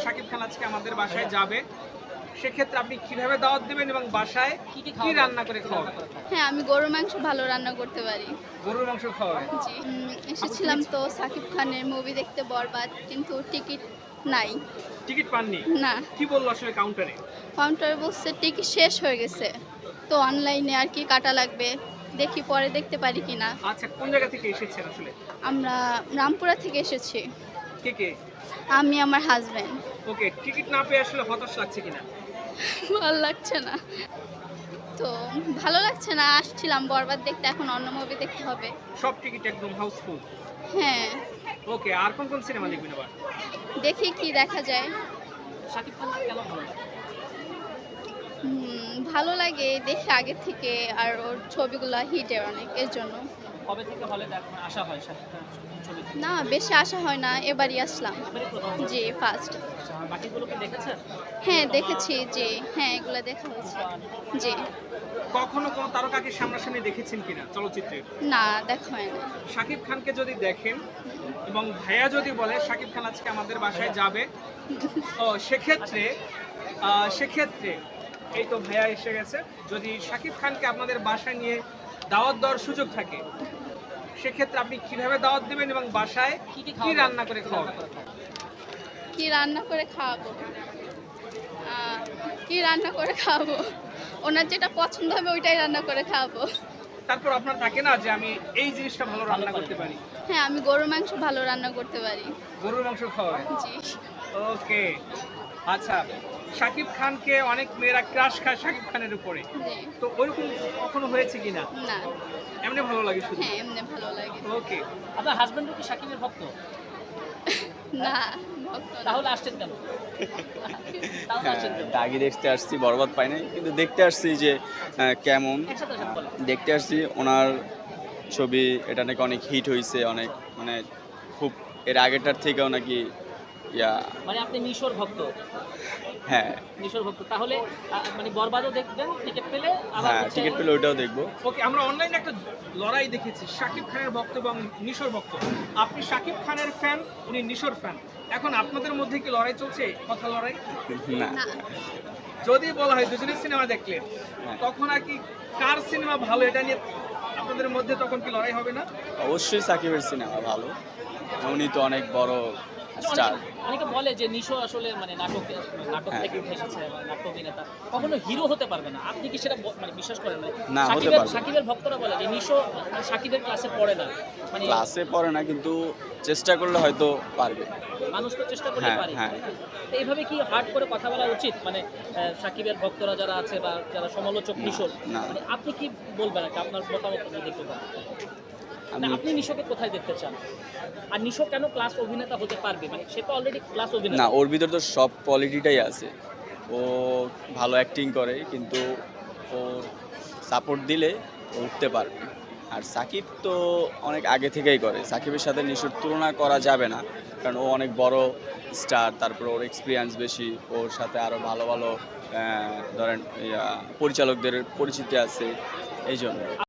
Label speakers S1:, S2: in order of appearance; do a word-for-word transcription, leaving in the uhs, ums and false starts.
S1: শাকিব খান আজকে আমাদের বাসায় যাবে, সেক্ষেত্রে আপনি কিভাবে দাওয়াত দেবেন এবং বাসায় কি রান্না করে খাওয়াবেন?
S2: হ্যাঁ, আমি গরুর মাংস ভালো রান্না করতে পারি।
S1: গরুর মাংস খাওয়াবেন?
S2: জি। উম, এসেছিলাম তো সাকিব খানের মুভি দেখতে বরবাদ, কিন্তু টিকিট নাই।
S1: টিকিট পাননি?
S2: না,
S1: কি বললো আসলে কাউন্টারে?
S2: কাউন্টারে বলছে টিকিট শেষ হয়ে গেছে। তো অনলাইনে আর কি কাটা লাগবে, দেখি পরে দেখতে পারি কিনা।
S1: আচ্ছা, কোন জায়গা থেকে এসেছেন আসলে?
S2: আমরা রামপুরা থেকে এসেছি,
S1: কে কে?
S2: আমি আমার হাজব্যান্ড।
S1: ওকে, টিকিট না পেয়ে আসলে হতাশ লাগছে কিনা?
S2: ভালো লাগছে না, তো ভালো লাগছে না। আসছিলাম বরবাদ দেখতে, এখন অন্য মুভি দেখতে হবে।
S1: সব টিকিট একদম হাউসফুল।
S2: হ্যাঁ,
S1: ওকে, আর কোন কোন সিনেমা দেখবেন আবার?
S2: দেখি কি দেখা যায়।
S1: শাকিব খান কেন ভালো লাগে?
S2: হুম, ভালো লাগে দেখি আগে থেকে, আর ওর ছবিগুলো হিটের অনেক, এর জন্য।
S1: কবে থেকে হলে দেখা আসা হয় শাকিব খান ছবি?
S2: না, বেশি আসা হয় না, এবারই আসলাম।
S1: এবারে প্রথম?
S2: জি, ফার্স্ট।
S1: আচ্ছা, বাকিগুলোকে দেখেছেন?
S2: হ্যাঁ, দেখেছি। জি, হ্যাঁ, এগুলো দেখা হয়েছে। জি,
S1: কখনো কোনো তারকাকে সামনাসামনি দেখেছেন কিনা চলচ্চিত্রে?
S2: না, দেখা হয় না।
S1: শাকিব খানকে যদি দেখেন এবং ভাইয়া যদি বলে শাকিব খান আজকে আমাদের বাসায় যাবে, ও সেক্ষেত্রে আহ, সেক্ষেত্রে এই তো ভাইয়া এসে গেছে, যদি শাকিব খানকে আপনাদের বাসায় নিয়ে দাওয়াত দেওয়ার সুযোগ থাকে, সেক্ষেত্রে আপনি কিভাবে দাওয়াত দেবেন এবং বাসায় কি রান্না করে খাওয়াবেন?
S2: কি রান্না করে খাওয়াবো? আহ, কি রান্না করে খাওয়াবো? ওনার যেটা পছন্দ হবে ওইটাই রান্না করে খাওয়াবো।
S1: তারপর আপনার থাকে না যে আমি এই জিনিসটা ভালো রান্না করতে পারি?
S2: হ্যাঁ, আমি গরুর মাংস ভালো রান্না করতে পারি।
S1: গরুর মাংস খাওয়াবেন?
S2: জি।
S1: ওকে, আচ্ছা, শাকিব খানকে অনেক মেয়েরা ক্রাশ খায় শাকিব খানের উপরে,
S2: জি।
S1: তো ওইরকম কখনো হয়েছে কিনা?
S2: না।
S1: এমনি ভালো লাগে শুধু?
S2: হ্যাঁ, এমনি ভালো লাগে।
S1: ওকে, আপনার হাজবেন্ডও কি শাকিবের ভক্ত?
S2: না, ভক্ত না।
S1: তাহলে আসছেন কেন? তাহলে
S3: হ্যাঁ,
S1: আসছেন কেন?
S3: দাগি দেখতে আসছি, বরবাদ পাই নাই, কিন্তু দেখতে আসছি যে আহ, কেমন
S1: একসাথে আসেন বলেন।
S3: দেখতে আসছি। ওনার ছবি এটা নাকি অনেক হিট হয়েছে, অনেক মানে খুব এর আগেরটার থেকেও নাকি ইয়া।
S1: মানে আপনি নিশোর ভক্ত?
S3: হ্যাঁ
S1: নিশোর ভক্ত, তাহলে আহ, মানে বরবাদও দেখবেন টিকিট পেলে? আবার
S3: হ্যাঁ,
S1: হচ্ছে-
S3: টিকিট পেলে ওইটাও দেখবো।
S1: ওকে, আমরা অনলাইনে একটা লড়াই দেখেছি, শাকিব খানের ভক্ত এবং নিশোর ভক্ত। আপনি শাকিব খানের ফ্যান, উনি নিশোর ফ্যান। এখন আপনাদের মধ্যে কি লড়াই চলছে, কথা লড়াই?
S3: না,
S2: না,
S1: যদি বলা হয় দুজনের সিনেমা দেখলেন,
S3: হ্যাঁ।
S1: তখন আর কি কার সিনেমা ভালো এটা নিয়ে আপনাদের মধ্যে তখন কি লড়াই হবে না?
S3: অবশ্যই সাকিবের সিনেমা ভালো, উনি তো অনেক বড় স্টার।
S4: অনেকে বলে যে নিশো আসলে মানে নাটক নাটক
S3: হ্যাঁ।
S4: থেকে উঠে এসেছে বা নাট্য অভিনেতা, কখনো হিরো হতে পারবে না। আপনি কি সেটা ব- মানে বিশ্বাস করেন না?
S3: না, হতে
S4: সাকিবের
S3: পারবে না।
S4: সাকিবের ভক্তরা বলে যে নিশো মানে সাকিবের ক্লাসে পড়ে না, মানে
S3: ক্লাসে পড়ে না, কিন্তু চেষ্টা করলে হয়তো পারবে।
S4: মানুষ তো চেষ্টা করলে
S3: হ্যাঁ,
S4: পারে।
S3: হ্যাঁ।
S4: তো এইভাবে কি হার্ড করে কথা বলা উচিত? মানে আহ, সাকিবের ভক্তরা যারা আছে বা যারা সমালোচক নিশোর,
S3: না।
S4: মানে আপনি কি বলবেন আর কি? আপনার মতামত আপনি দেখতে পান।
S3: আমি
S4: আপনি নিশোকে কোথায় দেখতে চান? আর নিশো কেন ক্লাস অভিনেতা হতে পারবে? মানে সে তো অলরেডি ক্লাস
S3: না,
S4: অভিনেতা।
S3: ওর ভিতর তো সব কোয়ালিটিটাই আছে। ও ভালো অ্যাক্টিং করে, কিন্তু ওর সাপোর্ট দিলে ও উঠতে পারবে। আর সাকিব তো অনেক আগে থেকেই করে, সাকিবের সাথে নিশুর তুলনা করা যাবে না, কারণ ও অনেক বড় স্টার, তারপর ওর এক্সপিরিয়েন্স বেশি, ওর সাথে আরও ভালো ভালো আহ, ধরেন ইয়া, পরিচালকদের পরিচিতি আছে, এই জন্য।